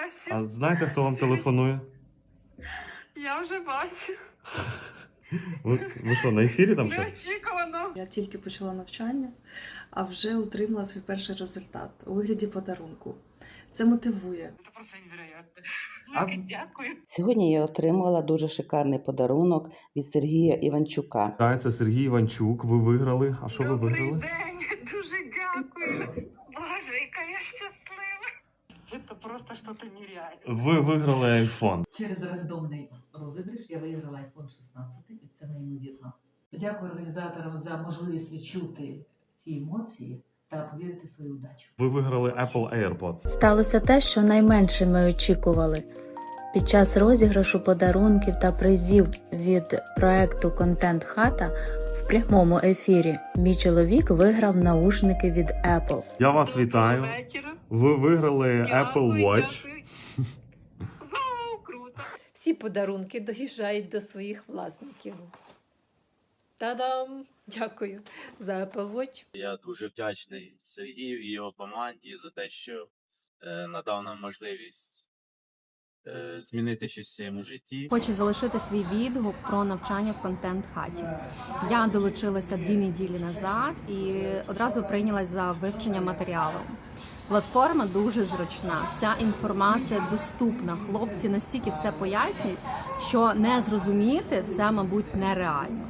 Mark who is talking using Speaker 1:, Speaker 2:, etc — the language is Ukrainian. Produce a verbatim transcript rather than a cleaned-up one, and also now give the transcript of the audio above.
Speaker 1: бачу.
Speaker 2: А знаєте, хто вам телефонує?
Speaker 1: Я вже бачу.
Speaker 2: Ви, ви що, на ефірі там щось?
Speaker 1: Неочікувано.
Speaker 3: Я тільки почала навчання, а вже отримала свій перший результат у вигляді подарунку. Це мотивує.
Speaker 1: Це просто невероятно.
Speaker 2: А-
Speaker 1: Велике дякую.
Speaker 4: Сьогодні я отримала дуже шикарний подарунок від Сергія Іванчука.
Speaker 2: Так, це Сергій Іванчук. Ви виграли. А що ви
Speaker 1: Добрий
Speaker 2: виграли?
Speaker 1: день. Дуже дякую. Боже, яка я щаслива. Це просто щось нереальне.
Speaker 2: Ви виграли iPhone.
Speaker 5: Через рандомний розіграш я виграла айфон шістнадцять, і це неймовірно. Дякую організаторам за можливість відчути ці емоції та повірити в свою удачу.
Speaker 2: Ви виграли Apple AirPods.
Speaker 6: Сталося те, що найменше ми очікували. Під час розіграшу подарунків та призів від проекту «Контент Хата» в прямому ефірі мій чоловік виграв наушники від Apple.
Speaker 2: Я вас вітаю.
Speaker 1: Вечора.
Speaker 2: Ви виграли Apple
Speaker 1: Дякую,
Speaker 2: Watch.
Speaker 1: дякую. Вау, круто.
Speaker 7: Всі подарунки доїжджають до своїх власників. Та-дам! Дякую за Apple Watch.
Speaker 8: Я дуже вдячний Сергію і його команді за те, що е, надав нам можливість е, змінити щось в своєму житті.
Speaker 9: Хочу залишити свій відгук про навчання в контент-хаті. Я долучилася дві неділі назад і одразу прийнялась за вивчення матеріалу. Платформа дуже зручна, вся інформація доступна. Хлопці настільки все пояснюють, що не зрозуміти це, мабуть, нереально.